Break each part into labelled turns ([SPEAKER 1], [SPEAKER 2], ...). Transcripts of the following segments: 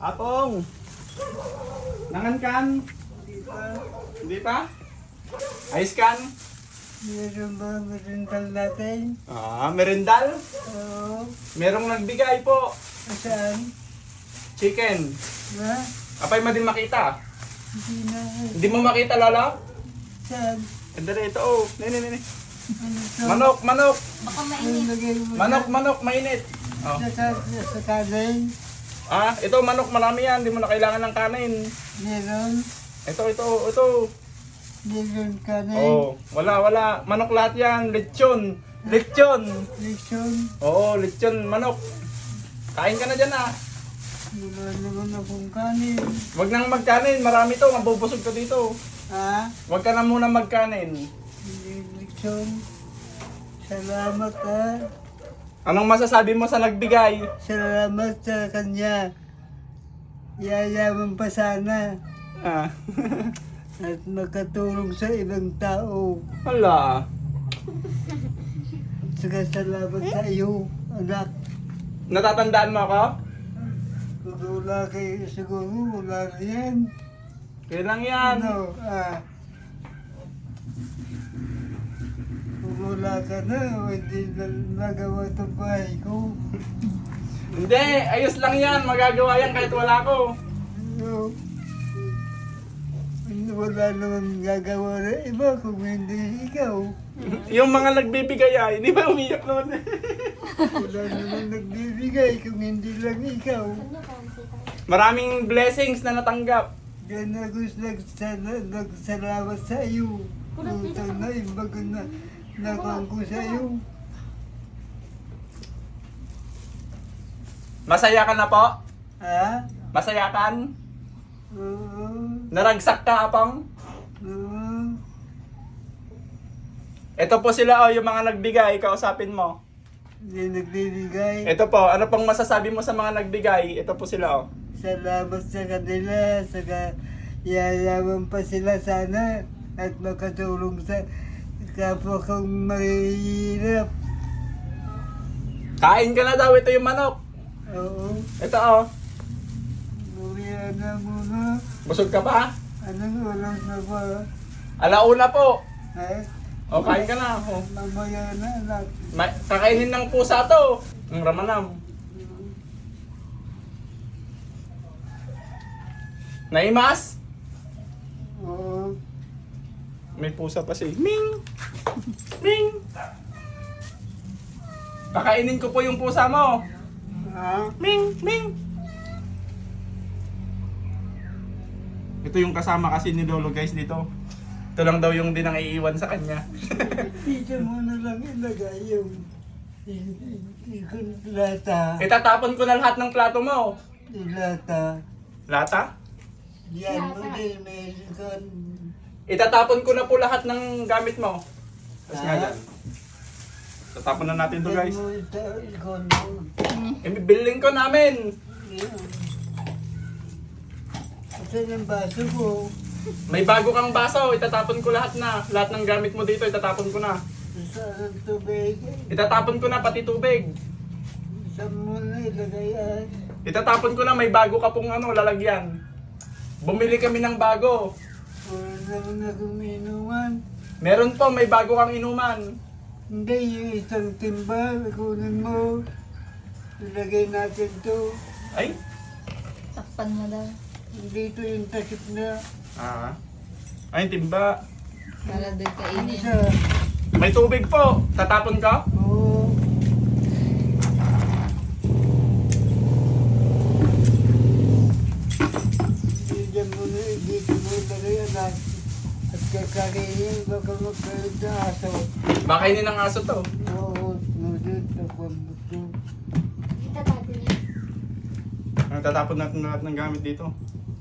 [SPEAKER 1] Apong! Nangankan?
[SPEAKER 2] Di ba?
[SPEAKER 1] Hindi pa? Ayos kan?
[SPEAKER 2] Meron ba merendal natin?
[SPEAKER 1] Merendal?
[SPEAKER 2] Oo.
[SPEAKER 1] Merong nagbigay po.
[SPEAKER 2] Saan?
[SPEAKER 1] Chicken.
[SPEAKER 2] Na?
[SPEAKER 1] Apay mo din makita.
[SPEAKER 2] Hindi na.
[SPEAKER 1] Hindi mo makita, Lolo?
[SPEAKER 2] Saan?
[SPEAKER 1] Ganda rito, oh. Nini.
[SPEAKER 2] Ano to?
[SPEAKER 1] Manok, manok.
[SPEAKER 3] Baka
[SPEAKER 2] Ano
[SPEAKER 3] mainit.
[SPEAKER 2] lagay mo
[SPEAKER 1] Manok, mainit. Oh.
[SPEAKER 2] Sa kanin?
[SPEAKER 1] Ito manok, marami yan. Hindi mo na kailangan ng kanin.
[SPEAKER 2] Meron?
[SPEAKER 1] Ito.
[SPEAKER 2] Meron kanin?
[SPEAKER 1] Oh, wala. Manok lahat yan. Lechon.
[SPEAKER 2] Lechon?
[SPEAKER 1] Oo, lechon, manok. Kain ka na dyan,
[SPEAKER 2] Wala naman akong kanin.
[SPEAKER 1] Huwag nang magkanin. Marami to. Mabubusog ka dito.
[SPEAKER 2] Ha?
[SPEAKER 1] Huwag ka na muna magkanin.
[SPEAKER 2] Lechon? Salamat ha.
[SPEAKER 1] Anong masasabi mo sa nagbigay?
[SPEAKER 2] Salamat sa kanya. Yayaman pa sana. At makatulong sa ibang tao.
[SPEAKER 1] Hala.
[SPEAKER 2] Saka salamat sa iyo, anak.
[SPEAKER 1] Natatandaan mo ako?
[SPEAKER 2] Kung wala kayo siguro, wala na yan.
[SPEAKER 1] Kailang yan.
[SPEAKER 2] Ano, kung wala ka na, hindi na nagawa itong bahay ko.
[SPEAKER 1] Hindi, ayos lang yan. Magagawa yan kahit wala ko.
[SPEAKER 2] Ano, wala naman gagawa na iba kung hindi ikaw.
[SPEAKER 1] Yung mga nagbibigay ay, di ba umiyak naman?
[SPEAKER 2] Wala naman nagbibigay kung hindi lang ikaw.
[SPEAKER 1] Maraming blessings na natanggap.
[SPEAKER 2] Yan ako nagsalamat sa iyo. Utang na imbag na nakuha ko sa iyo.
[SPEAKER 1] Masaya ka na po?
[SPEAKER 2] Ha?
[SPEAKER 1] Masaya kan?
[SPEAKER 2] Oo.
[SPEAKER 1] Naragsak ka, Apong?
[SPEAKER 2] Oo.
[SPEAKER 1] Ito po sila, yung mga nagbigay. Kausapin mo.
[SPEAKER 2] Hindi nagbibigay.
[SPEAKER 1] Ito po, ano pong masasabi mo sa mga nagbigay? Ito po sila,
[SPEAKER 2] Salamat sa kanila. Saka yayaman pa sila sana. At makatulong sa kapwa kong mahihirap.
[SPEAKER 1] Kain ka na daw, ito yung manok.
[SPEAKER 2] Oo.
[SPEAKER 1] Ito,
[SPEAKER 2] Muriya na muna.
[SPEAKER 1] busog ka pa?
[SPEAKER 2] Anong oras na ba?
[SPEAKER 1] Alauna po.
[SPEAKER 2] Ha?
[SPEAKER 1] Kain ka na.
[SPEAKER 2] Mamaya na anak.
[SPEAKER 1] Kakainin ng pusa to. Ang ramanam. Naimas?
[SPEAKER 2] Oo.
[SPEAKER 1] May pusa pa siya. Ming! Ming! Kakainin ko po yung pusa mo.
[SPEAKER 2] Ha?
[SPEAKER 1] Ming! Ming! Ito yung kasama kasi ni Lolo guys dito. Ito lang daw yung din ang iiwan sa kanya.
[SPEAKER 2] Dito mo na lang ilagay yung lata.
[SPEAKER 1] Itatapon ko na lahat ng plato mo.
[SPEAKER 2] Lata.
[SPEAKER 1] Lata?
[SPEAKER 2] Yan mo din may ikon.
[SPEAKER 1] Itatapon ko na po lahat ng gamit mo. Tapos nga
[SPEAKER 2] Ah.
[SPEAKER 1] dyan. Tatapon na natin to
[SPEAKER 2] Yan
[SPEAKER 1] guys.
[SPEAKER 2] mo ito ikon mo.
[SPEAKER 1] Bibiling ko namin.
[SPEAKER 2] Yan. Ito yung baso ko.
[SPEAKER 1] May bago kang baso. Itatapon ko lahat na. Lahat ng gamit mo dito itatapon ko na.
[SPEAKER 2] Saan ang tubig?
[SPEAKER 1] Itatapon ko na pati tubig.
[SPEAKER 2] Saan mo na ilagay yan?
[SPEAKER 1] Itatapon ko na may bago ka pong lalagyan. Bumili kami ng bago.
[SPEAKER 2] Wala naman akong inuman.
[SPEAKER 1] Meron po, may bago kang inuman.
[SPEAKER 2] Hindi, yung isang timba, kunin mo. Ilagay natin to.
[SPEAKER 1] Ay?
[SPEAKER 3] Takpan mo daw.
[SPEAKER 2] Dito yung takip na.
[SPEAKER 1] Ay, timba.
[SPEAKER 3] Para doon
[SPEAKER 2] Ano
[SPEAKER 3] kainin.
[SPEAKER 2] siya?
[SPEAKER 1] May tubig po. Tatapon ka?
[SPEAKER 2] Oo. Diyan mo na, dito mo ilagay anak. At kakainin, baka magkaroon na aso.
[SPEAKER 1] Bakainin ng aso to.
[SPEAKER 2] Oo, nudod, tapos buto.
[SPEAKER 1] Tatapon natin lahat ng gamit dito.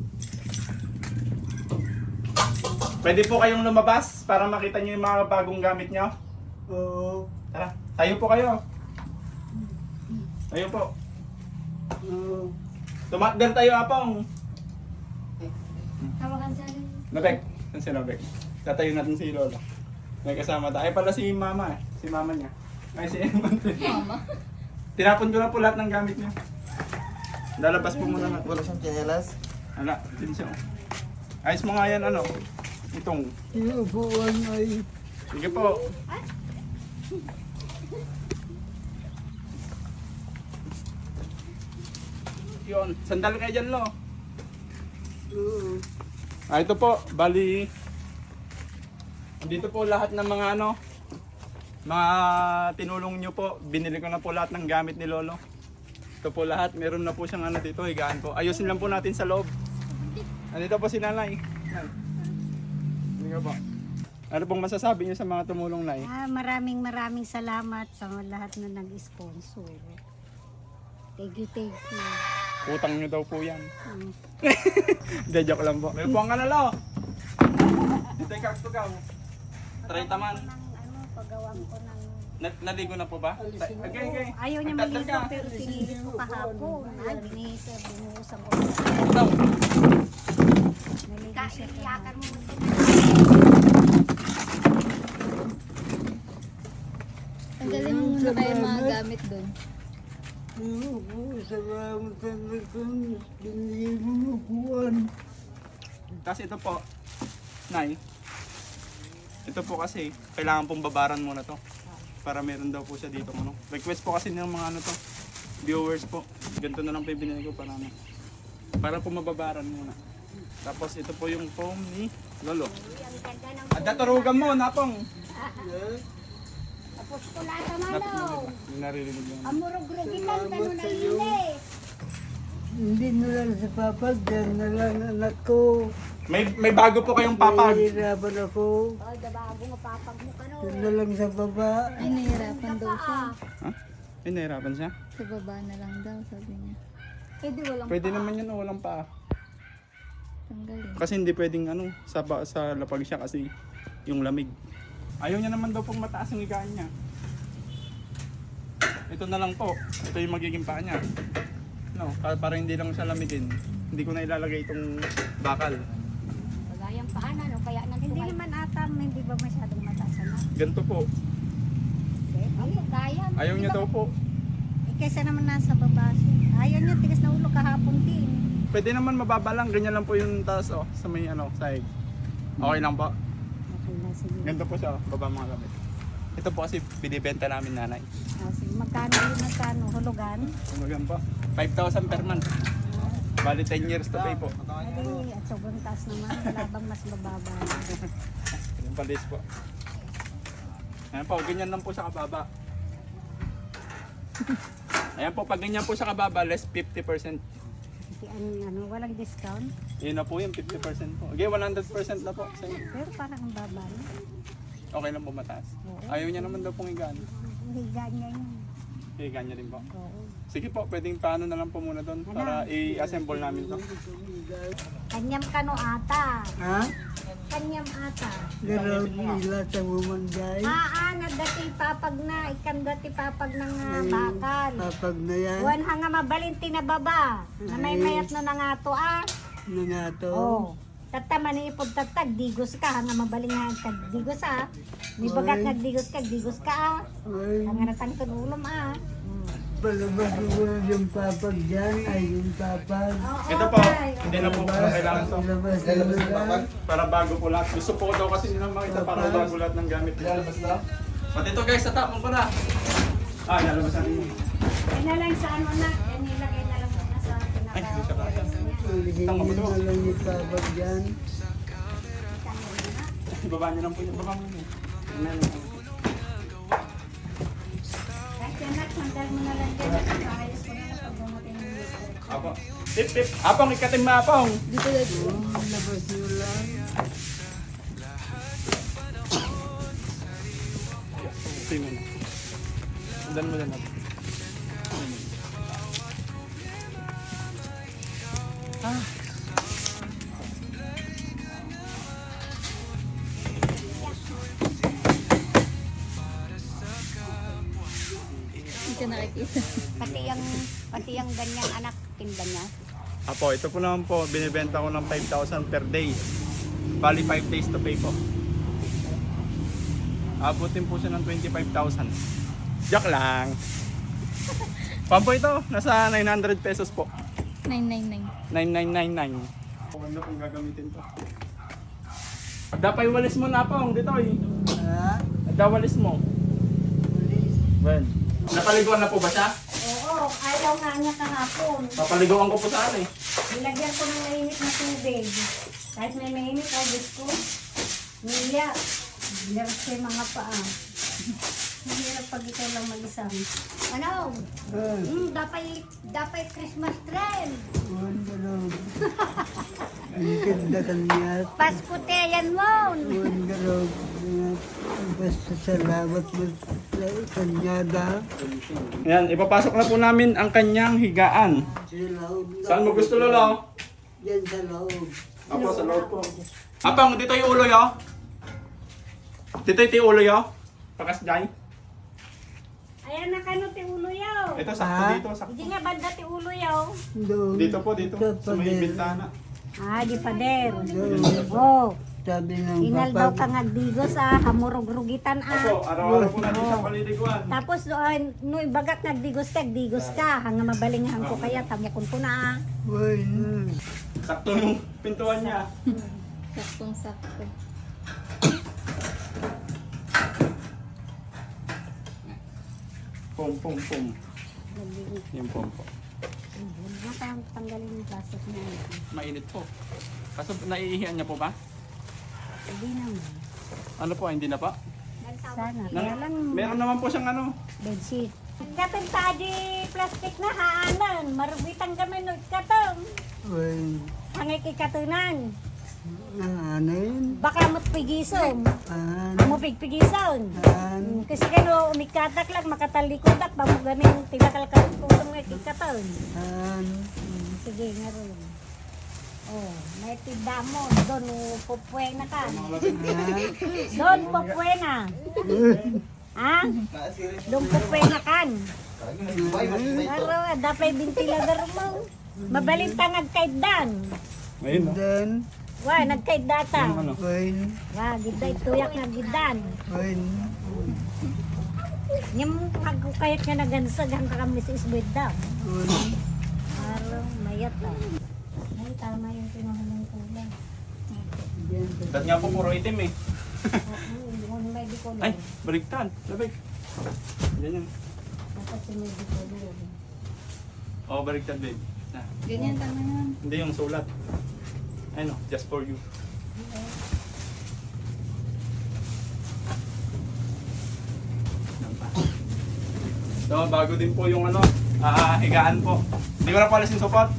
[SPEAKER 1] Pwede po kayong lumabas para makita nyo yung mga bagong gamit nyo.
[SPEAKER 2] Oo.
[SPEAKER 1] Tara, tayo po kayo. Tayo po.
[SPEAKER 2] Oo.
[SPEAKER 1] Tumakder tayo, Apong.
[SPEAKER 3] Hawakan sa akin.
[SPEAKER 1] Nabek. Saan si Nabek? Tatayo natin si Lola. May kasama tayo. Ay pala si Mama eh. Si Mama niya. Ay si Eman.
[SPEAKER 3] Mama.
[SPEAKER 1] Tinapon ko na po lahat ng gamit niya. Lalabas po muna na.
[SPEAKER 4] Wala siyang tsinelas.
[SPEAKER 1] Ala, din siya. Ayos mo nga yan, ano? Itong.
[SPEAKER 2] Yung upuan ay
[SPEAKER 1] Sige po. Yun, sandal kayo dyan, lo. Ito po, bali. Dito po lahat ng mga ano, mga tinulong nyo po. Binili ko na po lahat ng gamit ni Lolo. Ito po lahat, meron na po siyang ano dito, higaan po. Ayusin lang po natin sa loob. Andito po si Nanay. Yan. Hindi po. Ano pong masasabi niyo sa mga tumulong, Nay?
[SPEAKER 5] Maraming salamat sa lahat na nag-sponsor. Thank you, thank you.
[SPEAKER 1] Utang nyo daw po yan.
[SPEAKER 5] Mm.
[SPEAKER 1] Hindi, joke lang po. May buwang ka na, lo. Dito yung kaktugaw. Try taman.
[SPEAKER 5] Paggawan ko ng...
[SPEAKER 1] Naligo na po ba? Okay.
[SPEAKER 5] Ayaw niya
[SPEAKER 1] Magdadal
[SPEAKER 5] maligo
[SPEAKER 1] ka.
[SPEAKER 5] pero pinilit ko kahapon. Ay, binuhusan ko.
[SPEAKER 1] Daw.
[SPEAKER 5] Naligo siya kahapon.
[SPEAKER 3] Tanggalin mo muna kayo yung mga gamit doon.
[SPEAKER 2] salamat sa lakang binigay mo upuan.
[SPEAKER 1] Kasi ito po, Nay. Ito po kasi, kailangan pong babaran muna to. Para meron daw po siya dito. Ano. Request po kasi ng mga ano to, viewers po. Ganito na lang po yung binili ko para ano. Para po mababaran muna. Tapos ito po yung foam ni Lolo. At naturugan mo, napong.
[SPEAKER 5] Tapos kulata
[SPEAKER 1] Napong
[SPEAKER 5] malo.
[SPEAKER 1] yung naririnig mo.
[SPEAKER 5] Amurog-rugitan, gano'n na inis.
[SPEAKER 2] Hindi na lang sa papag, yan na lang anak ko.
[SPEAKER 1] May bago po kayong papag.
[SPEAKER 2] Nahihirapan ako.
[SPEAKER 5] Ay, dabago nga papag mo ka
[SPEAKER 2] Yan na lang sa baba.
[SPEAKER 3] Ay, nahihirapan daw siya.
[SPEAKER 1] Ha? Ay, nahirapan siya?
[SPEAKER 3] Sa baba na lang daw, sabi niya.
[SPEAKER 5] Pwede walang
[SPEAKER 1] Pwede naman yun, walang pa.
[SPEAKER 3] Tanggalin.
[SPEAKER 1] Kasi hindi pwedeng ano, sa lapag siya kasi yung lamig. Ayaw niya naman daw pong mataas ang higaan niya. Ito na lang po. Ito yung magiging paa niya. No, para hindi lang siya lamigin. Hindi ko na ilalagay itong bakal.
[SPEAKER 5] Pagayang paanan, o kaya nang hindi naman ata, hindi ba masyadong mataas na?
[SPEAKER 1] Ganito po.
[SPEAKER 5] Ay, kaya.
[SPEAKER 1] Ayaw niya daw po.
[SPEAKER 5] Kaysa naman nasa baba siya. Ayaw niya, tigas na ulo kahapon din.
[SPEAKER 1] Pwede naman mababa lang. Ganyan lang po yung taas oh, sa may ano, side. Okay lang po.
[SPEAKER 5] Okay na, sige.
[SPEAKER 1] Ganito po siya, baba mga gamit. Ito po kasi binibenta namin, Nanay.
[SPEAKER 5] Sige, magkano, hulugan?
[SPEAKER 1] Tumagan po. 5,000 per month. Bali 10 years to pay po.
[SPEAKER 5] Ay, at sobrang taas naman, wala bang mas bababa?
[SPEAKER 1] Yung palis po. Ayan po, ganyan lang po sa kababa. Ayan po, pag ganyan po sa kababa, less 50%.
[SPEAKER 5] Walang discount?
[SPEAKER 1] Yun na po yung 50% po. Okay, 100% na po sa inyo.
[SPEAKER 5] Pero parang ang baba na.
[SPEAKER 1] Okay lang po mataas. Ayaw niya naman daw pong higaan.
[SPEAKER 5] Higa niya yun.
[SPEAKER 1] Higaan niya rin po.
[SPEAKER 5] Oo.
[SPEAKER 1] Sige po, pwedeng paano na lang po muna doon para i-assemble namin to.
[SPEAKER 5] Kanyam kano ata.
[SPEAKER 2] Ha?
[SPEAKER 5] Kanyam ata.
[SPEAKER 2] Garaw nila sa bumanday.
[SPEAKER 5] Nagdati papag na, ikan dati papag ng bakal.
[SPEAKER 2] Papag na yan.
[SPEAKER 5] Buwan hanga mabalinti na baba. Na may mayat na nga to
[SPEAKER 2] Na nga to.
[SPEAKER 5] Oh. Tata manipod tatag, digos ka, hanga mabaling nga kag digos Ni bagat
[SPEAKER 2] Oy.
[SPEAKER 5] nagdigos kag digos ka
[SPEAKER 2] Ay,
[SPEAKER 5] Hanga natang tulom
[SPEAKER 2] palabas ko yung papag dyan. Ay, yung papag.
[SPEAKER 1] Ito po, hindi na po kailangan to.
[SPEAKER 2] Palabas nila.
[SPEAKER 1] Para bago po lahat. Gusto po ko daw kasi nilang makita para bago lahat ng gamit.
[SPEAKER 4] Lalabas na?
[SPEAKER 1] Pati ito guys, sa tapon ko na. Lalabas natin yun.
[SPEAKER 5] Yan na lang sa ano na, yan nilagay na lang sa
[SPEAKER 1] Ay, hindi siya kaya.
[SPEAKER 2] Hindi na lang yung papag dyan.
[SPEAKER 1] Ibaba niyo lang po yung baba mo.
[SPEAKER 5] Kahit yan na, sandal mo na lang dyan. Ayos ko na lang pag dumating yung dito.
[SPEAKER 1] Apo. Tip tip. Apong, ikating maapong.
[SPEAKER 3] Dito dito.
[SPEAKER 2] Labas nyo lang.
[SPEAKER 1] Okay mo na. Sundan mo lang.
[SPEAKER 3] Hindi ka nakikita.
[SPEAKER 5] Pati yung ganyang anak, tinda niya.
[SPEAKER 1] Apo, ito po naman po, binibenta ko ng 5,000 per day. Bali 5 days to pay po. Abutin po siya ng 25,000. Joke lang. Pampo ito, nasa 900 pesos po.
[SPEAKER 3] 999.
[SPEAKER 1] 9999. Okay na kung gagamitin to. Dapay walis mo na pong dito eh.
[SPEAKER 2] Ha?
[SPEAKER 1] Dawalis mo. Well. Napaliguan na po ba siya?
[SPEAKER 5] Oo, ayaw nga niya kahapon.
[SPEAKER 1] Papaliguan ko po saan eh.
[SPEAKER 5] Nilagyan ko ng mainit na tubig. Kahit may mainit, Diyos ko. Niya. Hirap sa mga paa. Mahirap pag ikaw lang mag-isang.
[SPEAKER 3] Ano? Dapat Christmas trend.
[SPEAKER 2] Ang ganda kanya.
[SPEAKER 5] Pasko te, yan mo.
[SPEAKER 2] Ang ganda. Basta salamat mo sa kanya da.
[SPEAKER 1] Ayan, ipapasok na po namin ang kanyang higaan.
[SPEAKER 2] Sa loob.
[SPEAKER 1] Saan mo gusto, Lolo?
[SPEAKER 2] Yan sa loob.
[SPEAKER 1] Apo, sa loob po. Apang, dito yung ulo yo. Dito yung ulo yo. Pakas dyan.
[SPEAKER 5] Ayan na kano ti ulo yaw.
[SPEAKER 1] Ito, sakto
[SPEAKER 2] Ah?
[SPEAKER 1] dito, sakto.
[SPEAKER 5] Hindi nga banda ti ulo yaw.
[SPEAKER 2] Doon.
[SPEAKER 1] Dito po, dito. Sa may bintana.
[SPEAKER 5] Ah, di pader.
[SPEAKER 2] Doon.
[SPEAKER 5] Oh,
[SPEAKER 2] Sabi ng
[SPEAKER 5] inal daw
[SPEAKER 2] papa.
[SPEAKER 5] kang agdigos agrugitan
[SPEAKER 1] Apo, araw-araw po natin siya paliliguan.
[SPEAKER 5] Tapos no ibagak nagdigos ka, hanga mabalingahan ko kaya tamukon ko na.
[SPEAKER 2] Uy,
[SPEAKER 1] Sakto yung pintuan niya.
[SPEAKER 3] Saktong-sakto.
[SPEAKER 1] Pum, pum, pum. Yung pum po.
[SPEAKER 5] Nakang tanggalin yung plastic na yun.
[SPEAKER 1] Mainit po. Kaso naiihian niya po ba?
[SPEAKER 5] Hindi naman.
[SPEAKER 1] Ano po, hindi na pa?
[SPEAKER 5] Sana. Kaya lang
[SPEAKER 1] Meron naman po siyang ano.
[SPEAKER 5] bedsheet. Katong tadi plastic na haanan. Marubitan kami no katong.
[SPEAKER 2] uy.
[SPEAKER 5] Hangay kikatunan.
[SPEAKER 2] Ano yun?
[SPEAKER 5] Baka matpigison.
[SPEAKER 2] Ano?
[SPEAKER 5] Mo pigpigison.
[SPEAKER 2] Ano?
[SPEAKER 5] Kasi kano umikatak lang makatalikodak ba mo gamin tilakal ka kung mga kikaton.
[SPEAKER 2] Ano?
[SPEAKER 5] Sige nga ron. Oh, may tidamon doon popwe na ka. Doon popwe na. Ha? Doon popwe na kan. Pero dapat ventilador mo. Mabalintangag kay Dan.
[SPEAKER 1] Ngayon, no?
[SPEAKER 2] Then,
[SPEAKER 5] Wa nagkay data.
[SPEAKER 1] Ano?
[SPEAKER 2] uy.
[SPEAKER 5] Wa giday tuyak na gidan.
[SPEAKER 2] Uy.
[SPEAKER 5] Nyam kagkayat nga nagansag ang kami sa isbeda.
[SPEAKER 2] Uy.
[SPEAKER 5] Araw mayat ah. Ay tama yung pinuhulang kulay.
[SPEAKER 1] Ba't nga po puro itim eh.
[SPEAKER 5] Oo, may di ko
[SPEAKER 1] Ay, baligtad. Labig. Ganyan.
[SPEAKER 5] Tapos yung may di ko
[SPEAKER 1] Oo, baligtad babe. Na.
[SPEAKER 3] Ganyan tama yan.
[SPEAKER 1] Hindi yung sulat. Ano, just for you. So, bago din po yung ano, higaan po. Hindi ko na po alas yung support.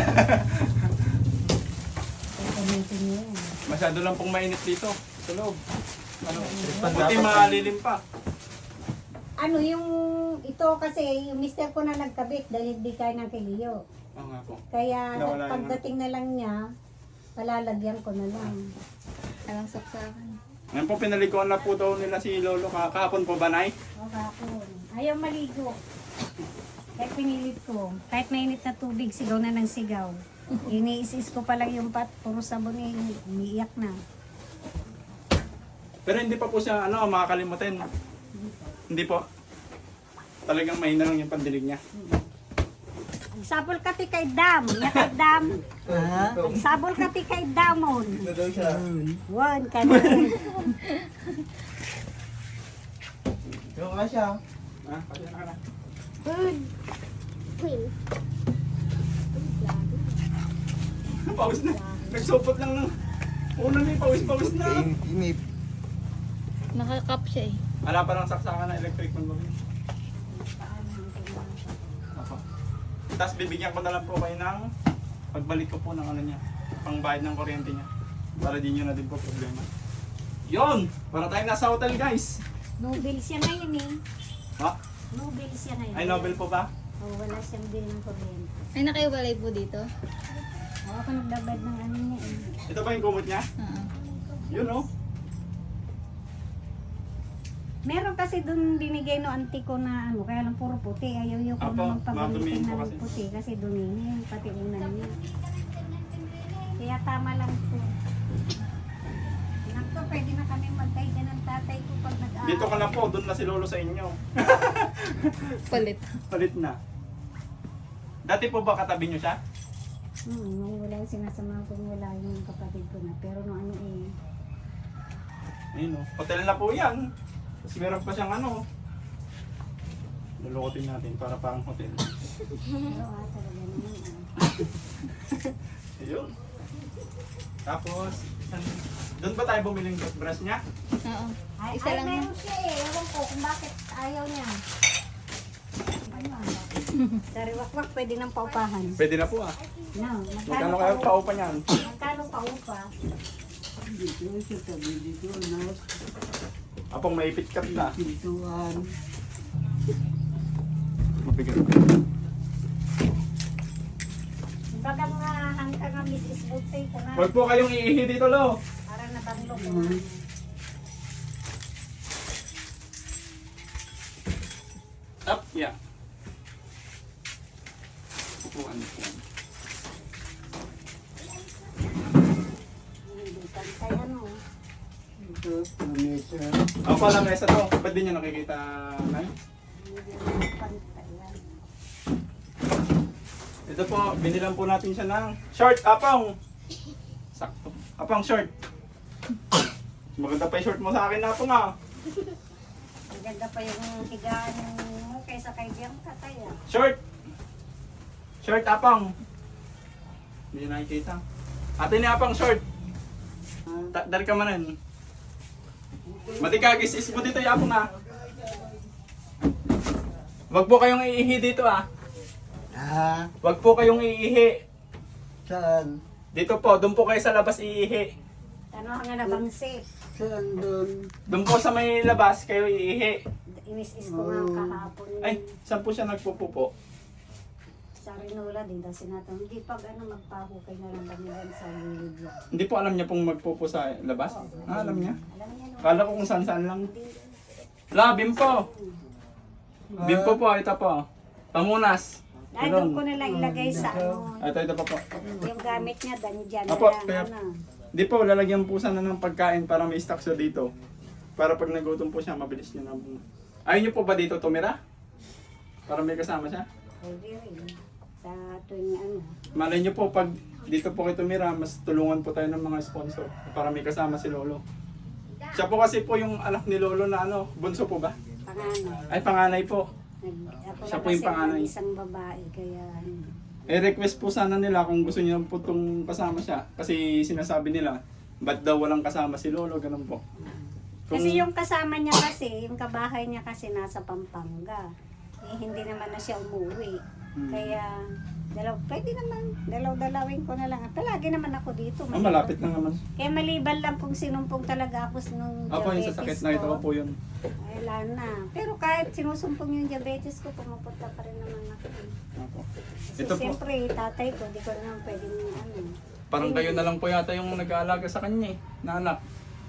[SPEAKER 5] Gamitin niyo yan.
[SPEAKER 1] Masyado lang pong mainit dito sa loob. Ano, buti malilim pa.
[SPEAKER 5] Ano yung ito kasi yung mister ko na nagkabit dahil hindi kaya ng kiliyo.
[SPEAKER 1] Oo nga po.
[SPEAKER 5] Kaya
[SPEAKER 1] Nawala yung
[SPEAKER 5] pagdating na lang niya, palalagyan ko na lang.
[SPEAKER 3] Alang saksakan.
[SPEAKER 1] Ngayon po, pinalikuan na po daw nila si Lolo kahapon po ba, Nay?
[SPEAKER 5] O kapon. Ayaw maligo. Kahit pinilit ko. Kahit mainit na tubig, sigaw na ng sigaw. Iniisis ko pa lang yung pat, puro sabon eh, umiiyak na.
[SPEAKER 1] Pero hindi pa po siya makakalimutin. Hindi po. Talagang mahina lang yung pandilig niya.
[SPEAKER 5] Sabol ka ti kay Dam. Ya kay Dam.
[SPEAKER 2] Ha?
[SPEAKER 5] Sabol ka ti kay Damon.
[SPEAKER 2] Uy.
[SPEAKER 5] Wan ka na.
[SPEAKER 2] Yung ka siya.
[SPEAKER 1] Ha? Pasya na ka na. Pawis na. Nagsupot lang ng... Una na pawis na.
[SPEAKER 2] Inip.
[SPEAKER 3] Nakakap siya eh.
[SPEAKER 1] Wala pa lang saksakan ng electric man mami. Tapos bibigyan ko na lang po kayo ng pagbalik ko po ng ano niya, pangbayad ng kuryente niya. Para di nyo na din po problema. Yon! Para tayong nasa hotel guys!
[SPEAKER 5] Nobel siya ngayon eh.
[SPEAKER 1] Ha?
[SPEAKER 5] Nobel siya ngayon.
[SPEAKER 1] Ay Nobel po ba?
[SPEAKER 5] Oh, wala siyang bill ng kuryente.
[SPEAKER 3] Ay, nakaiwalay po dito?
[SPEAKER 5] O, ako nagdabad ng ano niya eh.
[SPEAKER 1] Ito ba yung kumot niya?
[SPEAKER 3] Oo.
[SPEAKER 1] Yun oh.
[SPEAKER 5] Meron kasi dun binigay no auntie ko na ano, kaya lang puro puti. Ayaw ko
[SPEAKER 1] Apo,
[SPEAKER 5] na magpagalitin
[SPEAKER 1] madumihin po
[SPEAKER 5] ng
[SPEAKER 1] kasi.
[SPEAKER 5] puti kasi dumihin, pati unan niya. Kaya tama lang po. Nakto, pwede na kami magkaiga ng tatay ko pag nag-aaral.
[SPEAKER 1] Dito ka na po, doon na si Lolo sa inyo.
[SPEAKER 3] Palit.
[SPEAKER 1] Palit na. Dati po ba katabi nyo siya?
[SPEAKER 5] Nung wala yung sinasamahan ko, wala yung kapatid ko na. Pero nung ano eh,
[SPEAKER 1] Ayun o. Hotel na po yan. Tapos meron pa siyang ano. Lulukotin natin para parang hotel.
[SPEAKER 5] pero talaga naman
[SPEAKER 1] Ayun. Tapos, doon ba tayo bumili ng toothbrush niya?
[SPEAKER 3] Oo.
[SPEAKER 5] Ay,
[SPEAKER 3] Isa lang na.
[SPEAKER 5] meron siya eh. Ewan ko kung bakit ayaw niya. Sariwakwak, pwede nang paupahan.
[SPEAKER 1] Pwede na po ah.
[SPEAKER 5] No,
[SPEAKER 1] Magkano kayo paupa niyan?
[SPEAKER 5] Magkano paupa?
[SPEAKER 2] Dito sa tabi dito na
[SPEAKER 1] Apong maipit kat na.
[SPEAKER 2] pintuan.
[SPEAKER 1] Mabigat.
[SPEAKER 5] Baga nga hanggang nga Mrs. Butsay ko na.
[SPEAKER 1] Huwag po kayong iihi dito, lo.
[SPEAKER 5] Para nabanlo ko.
[SPEAKER 1] Up, yeah. Upuan, upuan.
[SPEAKER 5] Hindi pantay ano.
[SPEAKER 2] Ito, lamesa.
[SPEAKER 1] Ako pala mesa to. Ba't di nyo nakikita, Nay?
[SPEAKER 5] Hindi pantay yan.
[SPEAKER 1] Ito po, binilan po natin siya ng short, apong. Sakto. Apong short. Maganda pa yung short mo sa akin, apong ah.
[SPEAKER 5] Ang ganda pa yung higaan mo kaysa kay Bianca kaya.
[SPEAKER 1] Short. Short, apong. Hindi nyo nakikita. Ate ni apong short. Dari ka manan. Matikagis is mo dito, apong ah. Wag po kayong iihi dito ah.
[SPEAKER 2] Ha?
[SPEAKER 1] Wag po kayong iihi.
[SPEAKER 2] Saan?
[SPEAKER 1] Dito po, doon po kayo sa labas iihi.
[SPEAKER 5] Ano nga nabangsi?
[SPEAKER 2] Saan doon?
[SPEAKER 1] Doon po sa may labas kayo iihi.
[SPEAKER 5] Inis-is ko nga kahapon.
[SPEAKER 1] Ay, saan po siya nagpupupo?
[SPEAKER 5] Sa Rinola din daw sinatang. Hindi pag ano magpahukay na lang kami lang sa gilid yan.
[SPEAKER 1] Hindi po alam niya pong magpupo sa labas? Ah, alam niya?
[SPEAKER 5] Alam niya no?
[SPEAKER 1] Kala ko kung saan-saan lang. La, bimpo! Bimpo po, ito po. Pamunas.
[SPEAKER 5] Ay, doon ko na lang ilagay sa ano.
[SPEAKER 1] Ito pa po.
[SPEAKER 5] Yung gamit niya, dyan na
[SPEAKER 1] Apo,
[SPEAKER 5] lang.
[SPEAKER 1] kaya-
[SPEAKER 5] Ano.
[SPEAKER 1] Hindi po, lalagyan po sana ng pagkain para may stock siya dito. Para pag nagutom po siya, mabilis niya na. Ayaw niyo po ba dito tumira? Para may kasama siya?
[SPEAKER 5] Pwede rin. Sa tuwing ano.
[SPEAKER 1] Malay niyo po, pag dito po kayo tumira, mas tulungan po tayo ng mga sponsor para may kasama si Lolo. Siya po kasi po yung anak ni Lolo na ano, bunso po ba?
[SPEAKER 5] Panganay.
[SPEAKER 1] Ay, panganay po.
[SPEAKER 5] Ako
[SPEAKER 1] Siya
[SPEAKER 5] lang
[SPEAKER 1] po yung
[SPEAKER 5] kasi
[SPEAKER 1] panganay.
[SPEAKER 5] ang isang babae, kaya ano.
[SPEAKER 1] Request po sana nila kung gusto niyo po itong kasama siya. Kasi sinasabi nila, ba't daw walang kasama si Lolo, ganun po.
[SPEAKER 5] Kasi yung kasama niya kasi, yung kabahay niya kasi nasa Pampanga. Eh, hindi naman na siya umuwi. Kaya, pwede naman, dalaw-dalawin ko na lang. Palagi naman ako dito.
[SPEAKER 1] Malapit lang naman.
[SPEAKER 5] Kaya maliban lang kung sinumpong talaga ako nung
[SPEAKER 1] Ako yung
[SPEAKER 5] diabetes
[SPEAKER 1] sasakit na ito
[SPEAKER 5] ko.
[SPEAKER 1] po yun.
[SPEAKER 5] Ay, wala na. Pero kahit sinusumpong yung diabetes ko, pumupunta pa rin naman ako.
[SPEAKER 1] Ako.
[SPEAKER 5] Kasi
[SPEAKER 1] Ito po,
[SPEAKER 5] siyempre, tatay ko, di ko naman pwedeng ano.
[SPEAKER 1] parang kayo na lang po yata yung nag-aalaga sa kanya eh, na anak.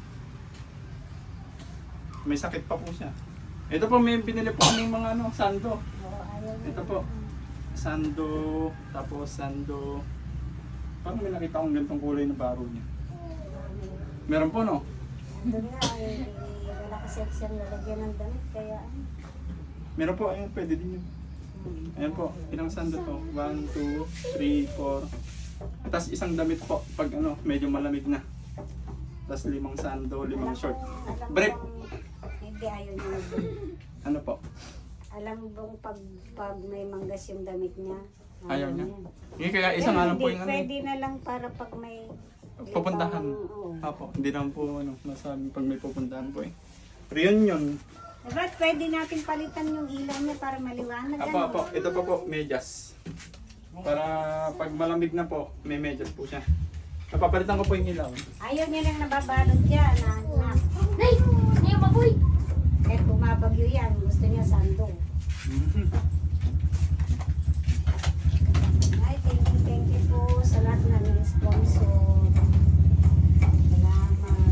[SPEAKER 1] May sakit pa po siya. Ito po, may pinili po kaming mga ano, sando.
[SPEAKER 5] Oo, ayaw na.
[SPEAKER 1] Ito po, sando, tapos sando. Parang may nakita akong ganitong kulay na baro niya. Meron po no?
[SPEAKER 5] Doon nga, wala kasi siyang lalagyan ng damit, kaya ano.
[SPEAKER 1] Meron po, ayun, pwede din yun. Ayan po, ilang sando to? 1, 2, 3, 4. Tapos isang damit po, pag ano, medyo malamig na. Tapos 5 sando, 5 short.
[SPEAKER 5] Alam
[SPEAKER 1] Brief.
[SPEAKER 5] bang- Hindi, ayaw niya mag
[SPEAKER 1] Ano po?
[SPEAKER 5] Alam mo bang pag may manggas yung damit niya?
[SPEAKER 1] Ayaw niya? Hindi, kaya isa nga lang po yung ano.
[SPEAKER 5] Pwede na lang para pag may
[SPEAKER 1] Pupuntahan.
[SPEAKER 5] Oo.
[SPEAKER 1] Apo, hindi naman po ano, nasabi pag may pupuntahan po eh. Reunion.
[SPEAKER 5] Diba, pwede natin palitan yung ilaw niya para maliwanag.
[SPEAKER 1] Apo,
[SPEAKER 5] ano?
[SPEAKER 1] apo, ito pa po, medyas. Para pag malamig na po, may medyas po siya. Napapalitan ko po yung ilaw.
[SPEAKER 5] Ayaw niya lang nababalot dyan. Na.
[SPEAKER 3] Nay! Nay, baboy!
[SPEAKER 5] Kahit bumabagyo yan, gusto niya sando. Ay, thank you po sa lahat na sponsor. Salamat.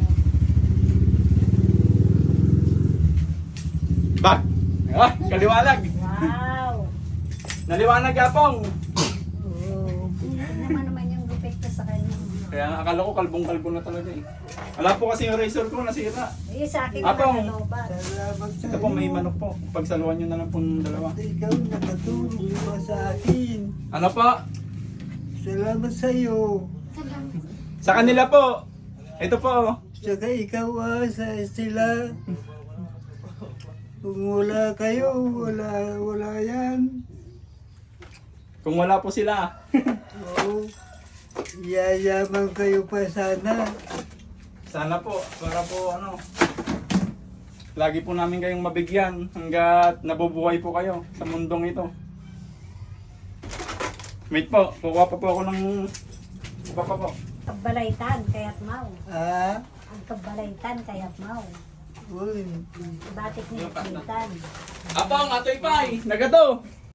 [SPEAKER 1] Bak! Ah, kaliwanag!
[SPEAKER 5] Wow!
[SPEAKER 1] Naliwanag apong!
[SPEAKER 5] Oh. Naman yung gupit ko sa kanya.
[SPEAKER 1] Kaya nga, akala ko kalbong-kalbo na talaga eh. Wala po kasi yung razor ko, nasira.
[SPEAKER 5] Eh, sa akin
[SPEAKER 1] Apong.
[SPEAKER 5] naman nalobat.
[SPEAKER 2] Salamat sa
[SPEAKER 1] Ito po, may manok po. Pagsaluhan nyo na lang po ng dalawa.
[SPEAKER 2] Ikaw nakatulong pa sa akin.
[SPEAKER 1] Ano po?
[SPEAKER 2] Salamat sa iyo.
[SPEAKER 1] Sa kanila po. Ito po.
[SPEAKER 2] Tsaka ikaw sa sila. Kung wala kayo, wala yan.
[SPEAKER 1] Kung wala po sila.
[SPEAKER 2] Oo. Yayaman kayo pa sana.
[SPEAKER 1] Sana po, para po ano. Lagi po namin kayong mabigyan hanggat nabubuhay po kayo sa mundong ito. Wait po, kukuha pa po ako ng iba pa po.
[SPEAKER 5] Kabalaytan, kaya't mau.
[SPEAKER 2] Ah?
[SPEAKER 5] Ang kabalaytan, kaya't mau.
[SPEAKER 2] Uy.
[SPEAKER 5] Batik ni Kitan.
[SPEAKER 1] Apang, atoy pay, nagato.